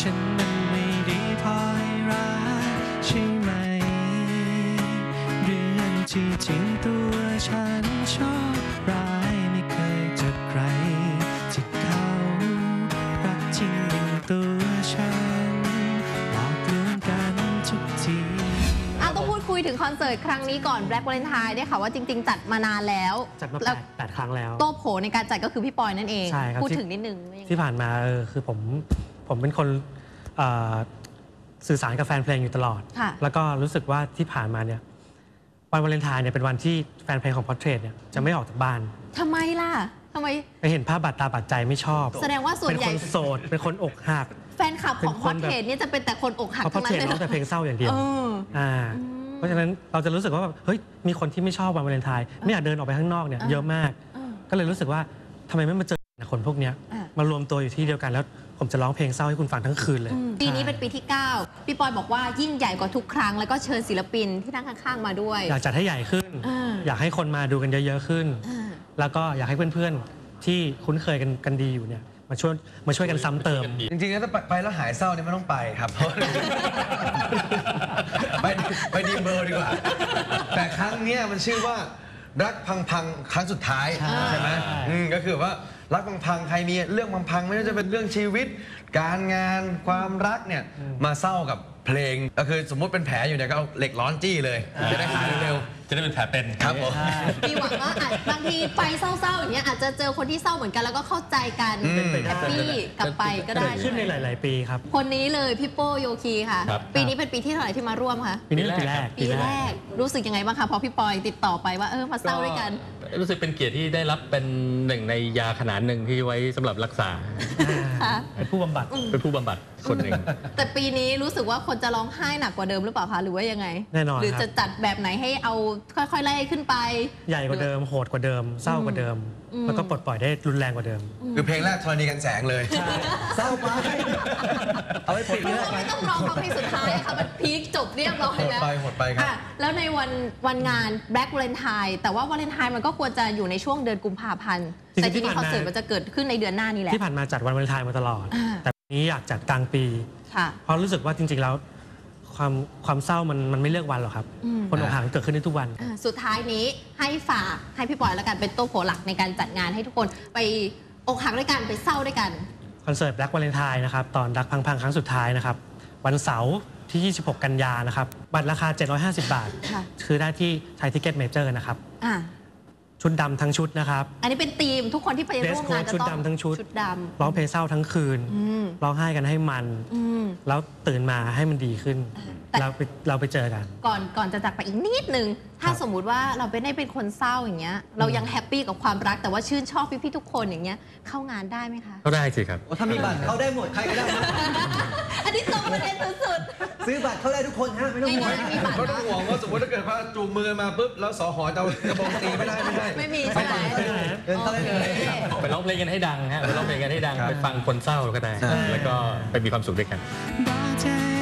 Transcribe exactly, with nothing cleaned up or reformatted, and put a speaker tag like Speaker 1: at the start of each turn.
Speaker 1: ฉันนั้นไม่ดีพอให้รักใช่ไหมเรื่องที่จริงตัวฉันชอบร้ายไม่เคยเจอใครที่เขารักจริงอย่างตัวฉันหลอกลวงกันทุกที
Speaker 2: อ่ะต้องพูดคุยถึงคอนเสิร์ตครั้งนี้ก่อน Black Valentine ได้ค่ะว่าจริงๆจัดมานานแล้ว
Speaker 1: จัดมาแปดครั้งแล้ว
Speaker 2: โต้โผในการจัดก็คือพี่ปอยนั่นเอง
Speaker 1: ใช่ครับ
Speaker 2: พูดถึงนิดนึง
Speaker 1: ที่ผ่านมาเออคือผมผมเป็นคนสื่อสารกับแฟนเพลงอยู่ตลอดแล้วก็รู้สึกว่าที่ผ่านมาเนี่ยวันวาเลนไทน์เนี่ยเป็นวันที่แฟนเพลงของ Portrait เนี่ยจะไม่ออกจากบ้าน
Speaker 2: ทำไมล่ะทำไม
Speaker 1: ไปเห็นภาพบาดตาบาดใจไม่ชอบ
Speaker 2: แสดงว่าส่วนใหญ่
Speaker 1: เป็นคนโสดเป็นคนอกหัก
Speaker 2: แฟนคลับของ Portrait เนี่ยจะเป็นแต่คนอกหักทั้งนั้นเลย
Speaker 1: เพราะ Portrait ร้องแต่เพลงเศร้าอย่างเดียวอ่าเพราะฉะนั้นเราจะรู้สึกว่าแบบเฮ้ยมีคนที่ไม่ชอบวันวาเลนไทน์ไม่อยากเดินออกไปข้างนอกเนี่ยเยอะมากก็เลยรู้สึกว่าทำไมไม่มาเจอคนพวกนี้มารวมตัวอยู่ที่เดียวกันแล้วผมจะร้องเพลงเศร้าให้คุณฟังทั้งคืนเลย
Speaker 2: ปีนี้เป็นปีที่เก้าพี่ปอยบอกว่ายิ่งใหญ่กว่าทุกครั้งแล้วก็เชิญศิลปินที่นั่งข้างๆมาด้วย
Speaker 1: อยากจัดให้ใหญ่ขึ้นอยากให้คนมาดูกันเยอะๆขึ้นแล้วก็อยากให้เพื่อนๆที่คุ้นเคยกันกันดีอยู่เนี่ยมาช่วยมาช่วยกันซ้ำเติม
Speaker 3: จริงๆถ้าไปแล้วหายเศร้าเนี่ยไม่ต้องไปครับไปไปดีเบอร์ดีกว่าแต่ครั้งนี้มันชื่อว่ารักพังๆครั้งสุดท้ายใช่ไหมก็คือว่ารักพังๆใครมีเรื่องพังๆไม่ว่าจะเป็นเรื่องชีวิตการงานความรักเนี่ยมาเศร้ากับเพลงก็คือสมมุติเป็นแผลอยู่เนี่ยก็เอาเหล็กร้อนจี้เลยจะได้หายเร็ว
Speaker 4: จะได้เป็นแผลเป็น
Speaker 3: ครับผม
Speaker 2: มีหวังว่าบางทีไปเศร้าๆอย่างเงี้ยอาจจะเจอคนที่เศร้าเหมือนกันแล้วก็เข้าใจกันแฮปปี้กลับไปก็ได้
Speaker 1: ขึ้นในหลายๆปีครับ
Speaker 2: คนนี้เลยพี่โป้โยคีค่ะปีนี้เป็นปีที่เท่าไหร่ที่มาร่วมคะ
Speaker 1: ปีนี้ปีแรก
Speaker 2: ปีแรกรู้สึกยังไงบ้างคะพอพี่ปอยติดต่อไปว่าเออมาเศร้าด้วยกัน
Speaker 4: รู้สึกเป็นเกียรติที่ได้รับเป็นหนึ่งในยาขนาดหนึ่งที่ไว้สำหรับรักษา
Speaker 1: เป็นผู้บำบัด
Speaker 4: เป็นผู้บำบัดคนหนึ่ง
Speaker 2: แต่ปีนี้รู้สึกว่าคนจะร้องไห้หนักกว่าเดิมหรือเปล่าคะหรือว่ายังไง
Speaker 1: แน่นอน
Speaker 2: หรือจะจัดแบบไหนให้เอาค่อยๆไล่ขึ้นไป
Speaker 1: ใหญ่กว่าเดิมโหดกว่าเดิมเศร้ากว่าเดิมแล้วก็ปลดปล่อยได้รุนแรงกว่าเดิม
Speaker 3: คือเพลงแรกธรณีกันแสงเลยเศร้าไป
Speaker 2: เอาไว้ปิดไม่ต้องร้องเพลงสุดท้ายค่ะมันพีคจบเรียบร้อยแล้ว
Speaker 3: หดไปหดไปครับ
Speaker 2: แล้วในวันวันงาน Black Valentine แต่ว่าวาเลนไทน์มันก็ควรจะอยู่ในช่วงเดือนกุมภาพันธ์แต่ทีนี้คอนเสิร์ตมันจะเกิดขึ้นในเดือนหน้านี่แหละ
Speaker 1: ที่ผ่านมาจัดวันวาเลนไทน์มาตลอดแต่ปีนี้อยากจัดกลางปีเพราะรู้สึกว่าจริงๆแล้วความความเศร้ามันมันไม่เลือกวันหรอกครับคนอกหักเกิดขึ้นได้ทุกวัน
Speaker 2: สุดท้ายนี้ให้ฝากให้พี่ปอยแล้วกันเป็นโต๊ะโผหลักในการจัดงานให้ทุกคนไปอกหักด้วยกันไปเศร้าด้วยกัน
Speaker 1: คอนเสิร์ต Black Valentine นะครับตอนรักพังๆครั้งสุดท้ายนะครับวันเสาร์ที่ยี่สิบหกกันยานะครับบัตรราคาเจ็ดร้อยห้าสิบบาทคือได้ที่ไทยทิเก็ตเมเจอร์นะครับชุดดำทั้งชุดนะครับ
Speaker 2: อันนี้เป็นธีมทุกคนที่ไปร่วมงานจะต้อง
Speaker 1: ชุดดำทั้งชุด
Speaker 2: ชุดดำ
Speaker 1: ร้องเพลงเศร้าทั้งคืนร้องไห้กันให้มันแล้วตื่นมาให้มันดีขึ้นเราไปเราไปเจอกัน
Speaker 2: ก่อนก่อนจะจากไปอีกนิดนึงถ้าสมมุติว่าเราไม่ได้เป็นคนเศร้าอย่างเงี้ยเรายังแฮปปี้กับความรักแต่ว่าชื่นชอบพี่ๆทุกคนอย่างเงี้ยเข้างานได้ไหมคะ
Speaker 4: ก็ได้สิครับ
Speaker 3: ถ้ามีบัตรเข้าได้หมดใครก็ได้
Speaker 2: อันนี้ตรงประเด็นสุด
Speaker 3: ๆซื้อบัตรเข้าได้ทุกคนฮะไม่ต้องห่วงไม่ต้องห่วงว่าสมมติถ้าเกิดว่าจูงมือมาปุ๊บแล้วสหจะกระบองตีไม่ได้ไม่ได้
Speaker 2: ไม่มีใช่ไหม
Speaker 3: เดินเข้าได้เลย
Speaker 4: ไปร้องเพลงกันให้ดังฮะไปร้องเพลงกันให้ดังไปฟังคนเศร้าก็ได้แล้วก็ไปมีความสุขด้วยกัน